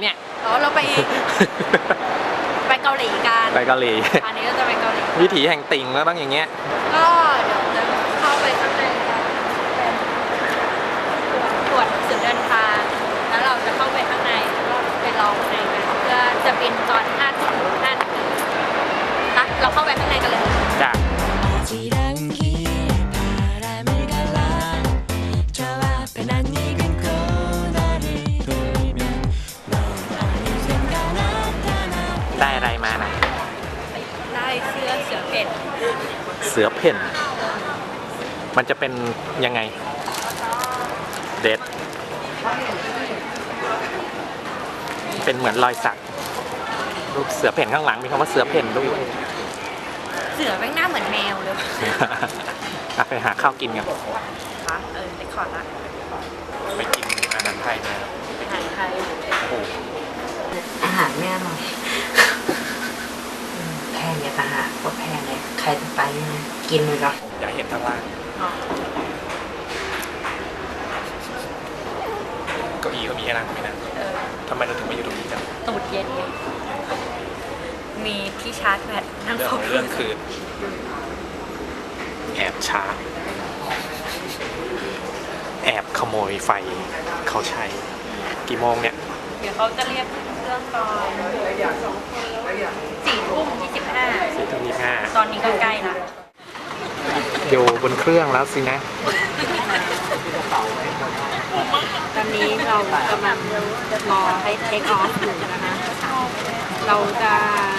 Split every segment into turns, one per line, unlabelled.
เนี่ย
อ๋อเราไป ไปเกาหลีกัน
ไปเกาหลี
อันนี้เราจะไปเกาหลี
วิถีแห่งติ่งแล้วต้องอย่างเงี้ย
ก็เดี๋ยวจะเข้าไปข้างในกันเป็นตรวจหนังสือเดินทางแล้วเราจะเข้าไปข้างในแล้วก็ไปรอข้างในกันเพื่อจะบินตอน5 ทุ่ม5 นาทีนะเราเข้าไปข้างในกันเลย
จ้ะได้อะไรมานะ
ได้เสื้อเสือเพ่น
เสือเพ่น มันจะเป็นยังไง เด็ด เป็นเหมือนรอยสักรูปเสือเพ่นข้างหลังมีคำว่าเสือเพ่นด้วย
เสือแม่งหน้าเหมือนแมวเลย
ไปหาข้าวกินกัน
ค่ะเด็กขอดละ
ไปกินอาหารไทยมา
อาหารไทย
โอ้โห
อาหารไม่อร่อยแพงเนี่ยต่างหากว่าแพงเลยใครจะไปนะกินเลยหรอ
อยากเห็นข้างล่าง
อ๋อ
เก้าอี้ก็มีให้นั่งไม่นั่งทำไมเราถึงมาอยู่ตรงนี้กัน
ตูดเย็นไงมีที่ชาร์จแบตนั่ง
เรื่อง
ค
ข
ร
อบ งเรื่องคือ แอบชาร์จแอบขโมยไฟเขาใช้ กี่โมงเนี่ย
เดี๋ยวเขาจะเรียกเครื่องตอน4 ทุ่ม 25
4:25
ตอนนี้ก็ใกล้ละ
อยู่บนเครื่องแล้วสินะ
ตอนนี้เรากำลังรอให้เทคออฟอยู่นะคะ เราจะ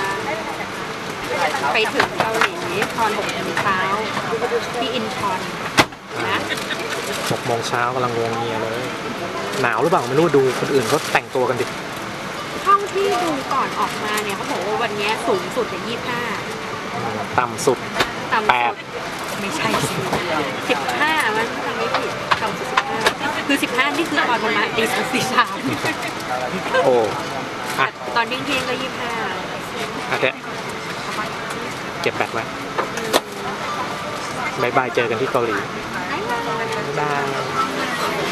ไปถึงเกาหลีตอน6 โมงเช้าที่อินชอนนะ
6 โมงเช้ากำลังงวงเงียเลย หนาวหรือเปล่าไม่รู้ดูคนอื่นเขาแต่งตัวกันดิ
ห้องที่ดูก่อนออกมาเนี่ยเขาบอกว่าวันนี้สูงสุดเนี่ย25
ต่ำสุด
ต่ำ
แป
สุ
ด
ดไม่ใช่สิ15มันทำไม่ผิดต่ำสุด15คือ15นี่คือตอนประมาณตี3
โอ้อะ
ตอนเที่ยงก็25
โอเคเก็บแบตไว้บายบายเจอกันที่เกาหลีบาย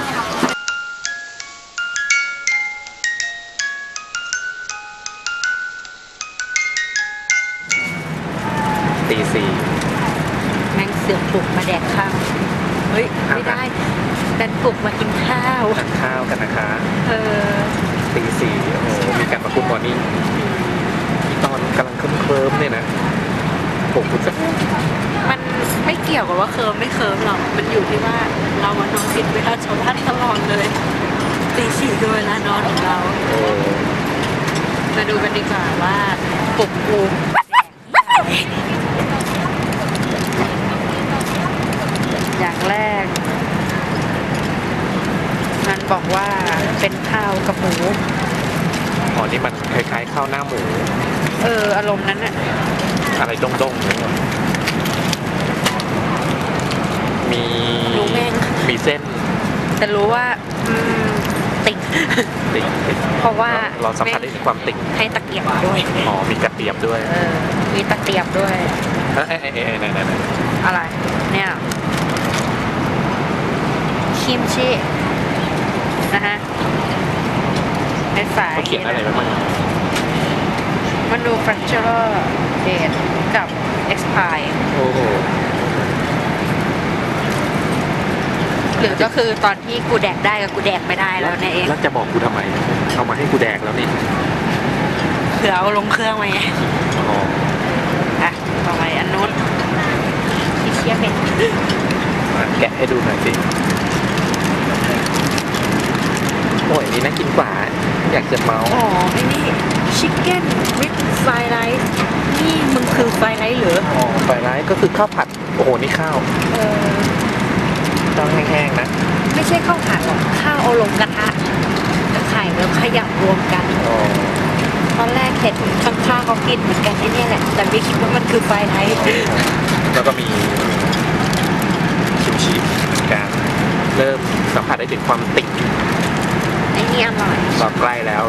ตี 4
แม่งเสือกปลุกมาแดกข้าว เฮ้ย ไม่ได้แต่ปลุกมากินข้าว
ทานข้าวกันนะคะ
เออ
ตี 4โอ้โหมีการประกุมมอร์นิ่งตอนกำลังเคลิ้มๆเนี่ยนะผมคุณสัก
มันไม่เกี่ยวกับว่าเคิร์มไม่เคิร์มหรอก มันอยู่ที่ว่าเราอะนอนผิดเวลาชาวบ้านตลอดเลยตี 4คือเวลานอนของเรา
โอ้
มาดูกันดีกว่าว่าปลุกกูอย่างแรก มันบอกว่าเป็นข้าวกับหมู
อ๋อนี่มันคล้ายๆข้าวหน้าหมู
อารมณ์นั้นอะ
อะไรด้งๆเนี่ยมี
รู้แม่ง
มีเส้น
แต่รู้ว่าติ่ง
ติ่ง
เพราะว่า
เราสัมผัสได้ถึงความติ่ง
ให้ตะเกียบด้วย
อ๋อมีกระเทียมด้วย
มีตะเกียบด้วย
เอ้ยไหน
อะไร เนี่ยคิมชินะฮะเป็นฝา
เขาเขียนอะไรไว้บ้าง
manufacturer date กับ expire
โอ้โห
หรือก็คือตอนที่กูแดกได้กับกูแดกไม่ได้แล้วเนี่ยเอง
แล้วจะบอกกูทำไมเอามาให้กูแดกแล้วนี่
เผื่อเอาลงเครื่องไว้ไง
อ๋อ
อ่ะต่อไปอันนู้นที่เชียเป็น
แกะให้ดูหน่อยสิโอ้ยนี่น่ากินกว่า อยากจะเมาส์
อ๋อไอ้นี่ chicken with fried rice นี่มึงคือ fried rice หรือ
อ๋อไฟไลท์ก็คือข้าวผัดโอ้โหนี่ข้าว
เออ
ข้าวแห้งๆนะ
ไม่ใช่ข้าวผัดหรอกข้าวเอาลงกระทะกับไข่แล้วขยำรวมกัน
อ๋อ
ตอนแรกเห็นข้างๆเขากินเหมือนกันไอ้เนี่ยแหละ แต่ไม่คิดว่ามันคือไฟไทย
แล้วก็มีคิมชิเหมือนกันเริ่มสัมผัสได้ถึงความติ่ง
ไอ้นี่อร่อย
เราใกล้แล้ว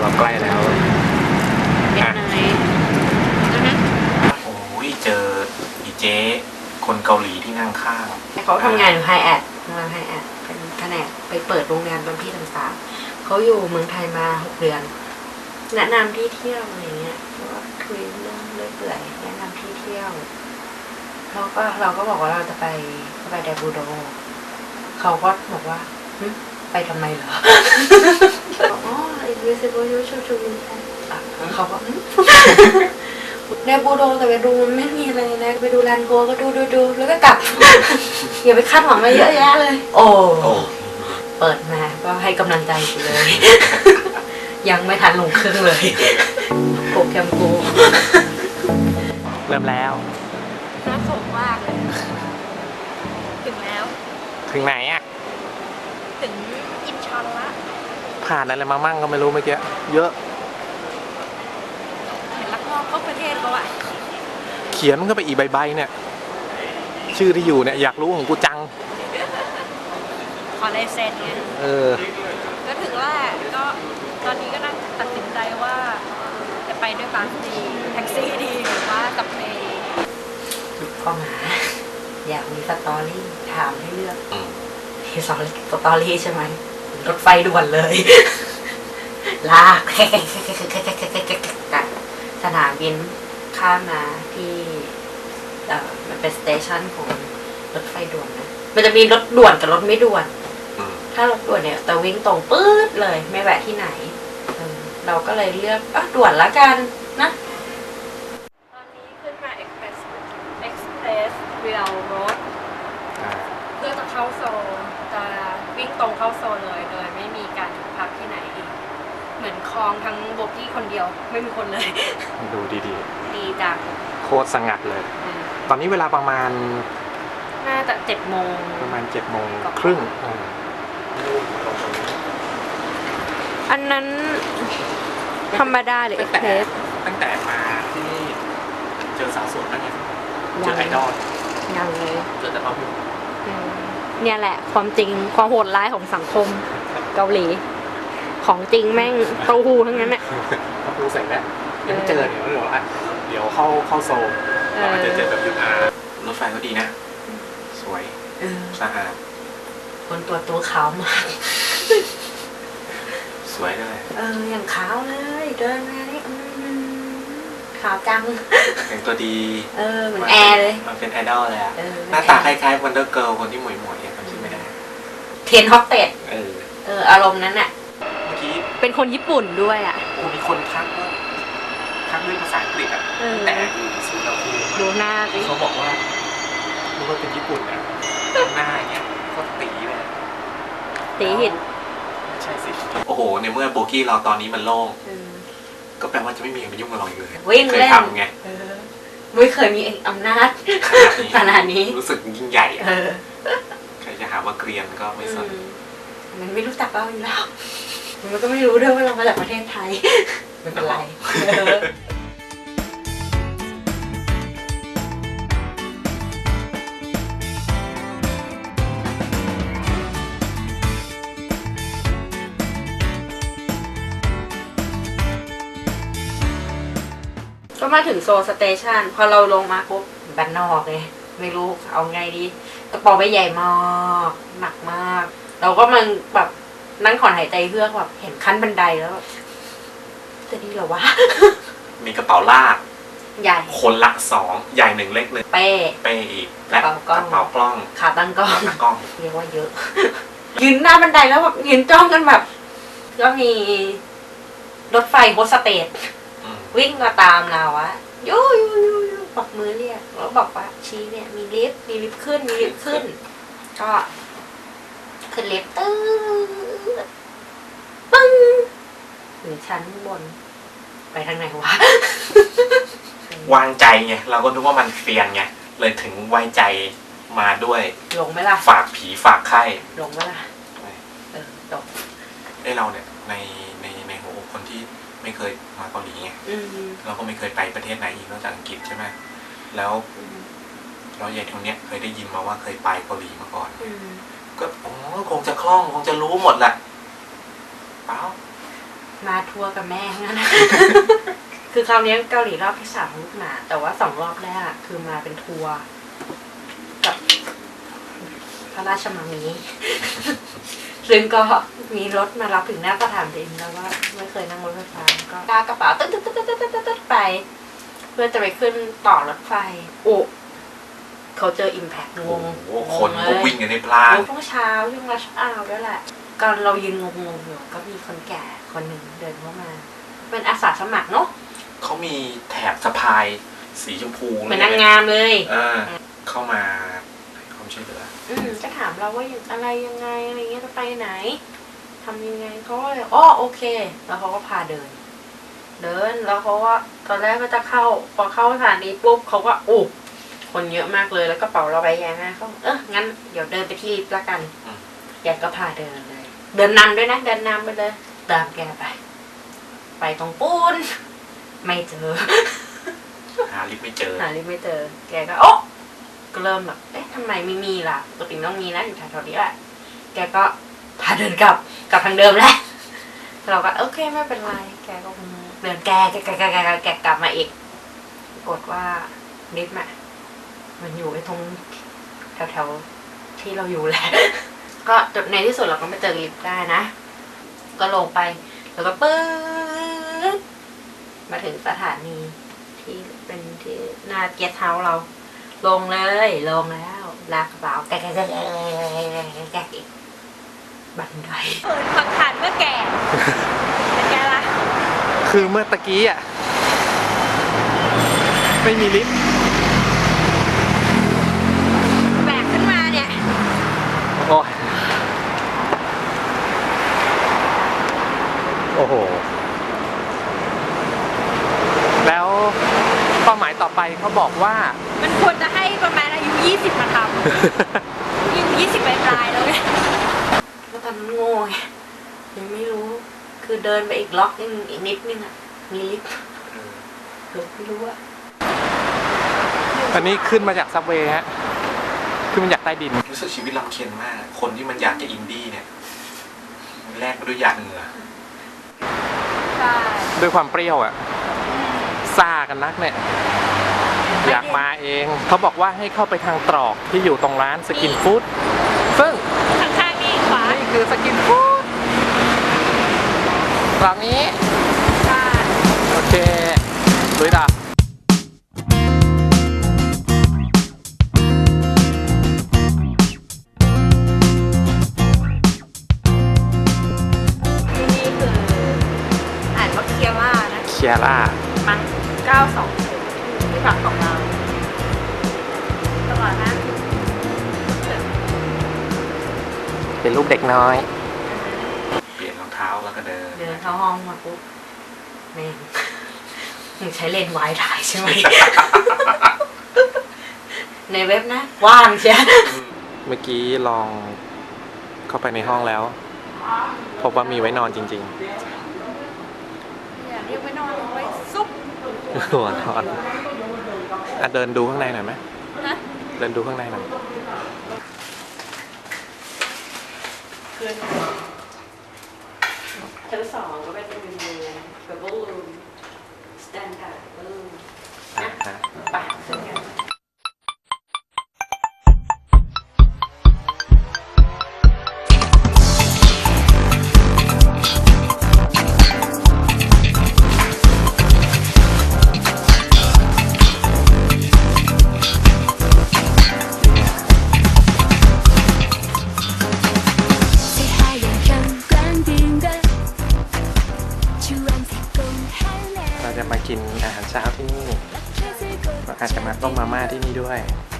เป็นไงอือฮึ
โอ้ยเจออีเจ๊คนเกาหลีที่นั่งข้าง
เขาทำงานอยู่ไฮแอดเป็นแผนกไปเปิดโรงงานบางที่ต่างๆเขาอยู่เมืองไทยมา6 เดือนแนะนำที่เที่ยวอะไรเงี้ยเพราะว่าคุยเรื่องเรื่อยเปื่อยแนะนำที่เที่ยวเราก็บอกว่าเราจะไปไดบูโดเขาก็บอกว่าไปทำไมเหรอ อ๋อ invisible you should to be เขาก็ไดบูโดแต่ไปดูมันไม่มีอะไรนะไปดูแลนโกก็ดูแล้วก็กลับ อย่าไปคาดหวังอะไรเยอะแยะเลย โอ้เปิดมาก็ให้กำลังใจกูเลย ยังไม่ทันลงเครื่องเลยโปรแกรมกู
เริ่มแล้ว
น่าสมมากเลย ถึงแล้ว
ถึงไหนอ่ะ
ถึงอินชอนละ
ผ่านอะไรมามั่งก็ไม่รู้เมื่อกี้เยอะ
เห็นลักลอบเข้าประเทศเขาอะ
เขียนมันก็ไปอีกใบๆเนี่ย ชื่อที่อยู่เนี่ยอยากรู้ของกูจัง
ขอลายเซ็นไง
เออ
ก็ถึงแรกก็ตอนนี้ก็นั่งตัดสินใจว่า จะไปด้วยบัสดีแท็กซี่ดีหรือว่ากับเพลง
ก็มาอยากมีสตอรี่ถามให้เลือก
อืม
มีสตอรี่ใช่ไหมรถไฟด่วนเลย ลาก จากสนามบินข้ามมาที่มันเป็นสเตชันของรถไฟด่วนนะมันจะมีรถด่วนกับรถไม่ด่วน
อืม
ถ้ารถด่วนเนี่ยจะวิ่งตรงปื๊ดเลยไม่แวะที่ไหนเราก็เลยเลือกด่วนละกันนะ ตอนนี้ขึ้นมา Express Rail Road เพื่อจะเข้าโซลจะวิ่งตรงเข้าโซลเลยโดยไม่มีการพักที่ไหนอีกเหมือนคลองทั้งโบกี้คนเดียวไม่มีคนเลย
ดูดี
ดีจัง
ๆ โคตรสงัดเลย ตอนนี้เวลาประมาณ
น่าจะ7 โมง
7 โมงครึ่ง
อันนั้นธรรมดาหรือ Express
ตั้งแต่มาที่นี่เจอสาวสวยนั่นไงเจอไอดอล
ยังเลย
เจอแต่พ่อพี่
เนี่ยแหละความจริงความโหดร้ายของสังคมเกาหลี ของจริงแม่งเต้าหู้ทั้งนั้นแหละ
เขาพูดเสร็จแล้วยังเจอเดี๋ยวเขาบอกว่าเดี๋ยวเข้าโซลเราอาจจะเจอแบบยุทธารถไฟก็ดีนะ สวยสะอาด
คนตัวขาวมาก
สวยด้วย
อย่างขาวเลยเดินมานี่ขาวจัง
แต่งตัวดี
เหมือนแอร์เลย
มันเป็นไอดอลเลยอะ
เห
หน้าตาคล้ายๆวันเดอร์เกิร์ลคนที่หมวยๆเนี่ยจำชื่อไม่ได้
เทนฮอตเต็ดอารมณ์นั้นน่ะ
เมื่อกี้
เป็นคนญี่ปุ่นด้วยอ่ะ
มีคนทักด้วยภาษาอังกฤษอ่ะแต่อยู่ซูดาคู
ดูหน้าสิ
เขาบอกว่ารู้ว่าเป็นญี่ปุ่นนะหน้าอย่างเงี้ยโคตรตีเลย
ตีหิน
ใช่สิโอ้โหในเมื่อโบกี้เราตอนนี้มันโล่งก็แปลว่าจะไม่มีใครมายุ่งกับเราอีกเลย
วิ่ง
เคย
เล่น
ทำไง
ไม่เคยมีอำนาจขนาดนี้
รู้สึกยิ่งใหญ่อะใครจะหาว่าเกรียนก็ไม่สน
มันไม่รู้จักเราอยู่แล้วมันก็ไม่รู้ด้วยว่าเรามาจากประเทศไทยไม่เป็นไร ก็มาถึงโซลสเตชันพอเราลงมาปุ๊บบ้านนอกเลยไม่รู้เอาไงดีกระเป๋าใบใหญ่มากหนักมาก เราก็มันแบบนั่งถอนหายใจเพื่อแบบเห็นขั้นบันไดแล้วจะดีเหรอวะ
มีกระเป๋าลาก
ใหญ่
คนละ2ใหญ่1เล็ก1
เป้
เป้อีกและ
กระเป๋ากล้อง ขาตั้งกล้อง
หน้ากล้อง
เรียกว่าเยอะ ยืนหน้าบันไดแล้วแบบยืนจ้องกันแบบ ก็มีรถไฟโฮสเตสวิ่งมาตามเราอะยูบอกมือเรียกแล้วบอกว่าชี้เนี่ยมีลิฟต์ขึ้นก็ขึ้นลิฟต์ปึ้งถึงชั้นบน ไปทางไหนวะ
วางใจไงเราก็นึกว่ามันเฟียนไงเลยถึงไว้ใจมาด้วย
ลงไหมล่ะ
ฝากผีฝากไข้
ลงไหมล่ะตก
เราเนี่ยในหัวอกคนที่ไม่เคยมาเกาหลีไงเราก็ไม่เคยไปประเทศไหนอีกนอกจากอังกฤษใช่ไหมแล้วเราใหญ่ตรงเนี้ยเคยได้ยินมาว่าเคยไปเกาหลีมาก่อนก็คงจะคล่องคงจะรู้หมดแหละเปล่า
มาทัวร์กับแม่งั้นนะ คือคราวนี้เกาหลีรอบที่3ลูกหนาแต่ว่า2 รอบแรกคือมาเป็นทัวร์กับพระราชมังมีซึ่งก็มีรถมารับถึงหน้าสถานบินแล้วว่าไม่เคยนั่งรถไฟฟ้าก็กากระเป๋าตึ๊ดไป เพื่อจะไปขึ้นต่อรถไฟโอ้เขาเจออิมแพคงง
โอ้โหคนก็วิ่งกันในพลาน
ช่วงเช้าช่วงรัชอาวด้วยแหละก่อนเรายืนงงๆอยู่ก็มีคนแก่คนหนึ่งเดินเข้ามา เป็นอาสาสมัครเนาะ
เขามีแถบสะพายสีชมพู
เหมือนนางงามเลย
เข้ามาให้ความช่วยเหลือ
จะถามเราว่าอะไรยังไงอะไรเงี้ยจะไปไหนทำยังไงเขาก็เลยอ๋อโอเค แล้วเขาก็พาเดินแล้วเขาก็ตอนแรกก็จะเข้าพอเข้าสถานีปุ๊บเขาก็โอ้คนเยอะมากเลยแล้วกระเป๋าเราใบใหญ่มากเขางั้นเดี๋ยวเดินไปที่ลิฟต์ละกันแกก็พาเดินเลย เดินนำด้วยนะเดินนำไปเลยตามแกไปตรงปูนไม่เจอ
หาลิฟต์ไม่เจอ
แกก็โอ๊ะก็เริ่มแบบเอ๊ะทำไมไม่มีล่ะปกติต้องมีนะอยู่แถวๆนี้แหละแกก็พาเดินกลับทางเดิมแหละเราก็โอเคไม่เป็นไรแกก็เดินแกกลับมาอีกปรากฏว่าลิฟต์อะมันอยู่ไอ้ตรงแถวๆที่เราอยู่แหละ ก็จบในที่สุดเราก็ไม่เจอลิฟต์ได้นะก็ลงไปแล้วก็ปื๊ดมาถึงสถานีที่เป็นที่หน้าเกียร์เท้าเราลงแล้วลากกระเป๋าแกอีกบันได
ฝักขันเมื่อแก่เป็นไงล่ะ
คือเมื่อตะกี้อ่ะไม่มีลิฟต์
แบกขึ้นมาเนี่ย
โอ้โหแล้วเป้าหมายต่อไปเขาบอกว่า
มันควรจะให้ประมาณอายุ20มาทำอายุ20ปลายๆแล้วไง
ก็ทำโง่ไงยังไม่รู้คือเดินไปอีกล็อกนึงอีกนิดนึงอ่ะมีลิฟต์หรือไม่รู้อ่ะ
อันนี้ขึ้นมาจากซับเวย์ฮะขึ้นมาจากใต้ดินรู้สึกชีวิตลำเค็ญมากคนที่มันอยากจะอินดี้เนี่ยแลกมาด้วยหยาดเหงื่อ
ใช่
ด้วยความเปรี้ยวอ่ะซ่ากันนักเนี่ยอยากมาเองเขาบอกว่าให้เข้าไปทางตรอกที่อยู่ตรงร้านสกินฟู้ดซึ่ง
ข้างๆนี่ขวา
นี่คือสกินฟู้ดตรอกนี้
ใช่
โอเคลุยต่อ
ที่นี่คืออ่านว่าเคียร่านะ
เคียร่า
มั้ง920ที่พักของเราตลอดนะ
เป็นรูปเด็กน้อยเปลี่ยนรองเท้าแล้วก็เดิน
เข้าห้องมาปุ๊บแม่งมึงใช้เลนส์วายถ่ายใช่ไหม ในเว็บนะว่างใช่
เมื่อกี้ลองเข้าไปในห้องแล้วพบว่ามีไว้นอนจริง
อย่าเรียกไว้นอนไว้ซุป
ๆหัวนอนเดินดูข้างในหน่อยไหม
นะ
เดินดูข้างในหน่อย
ชั้น2ก็เป็นรูมดับเบิลรูมสแตนดาร์ดรูมนะไปขึ้นกัน
เราจะมากินอาหารเช้าที่นี่เราอาจจะมาต้มมาม่าที่นี่ด้วย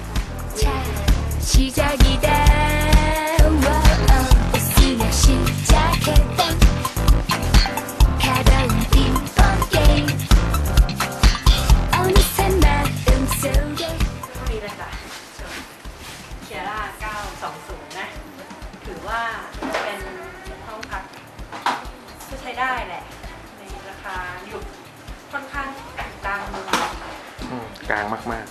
มีเลยค่ะเคียร่า920นะถือว่าเป็นห้องพักที่ใช้ได้แหละในราคาอยู่ค่อนข้างกลางเมือง
กลางมาก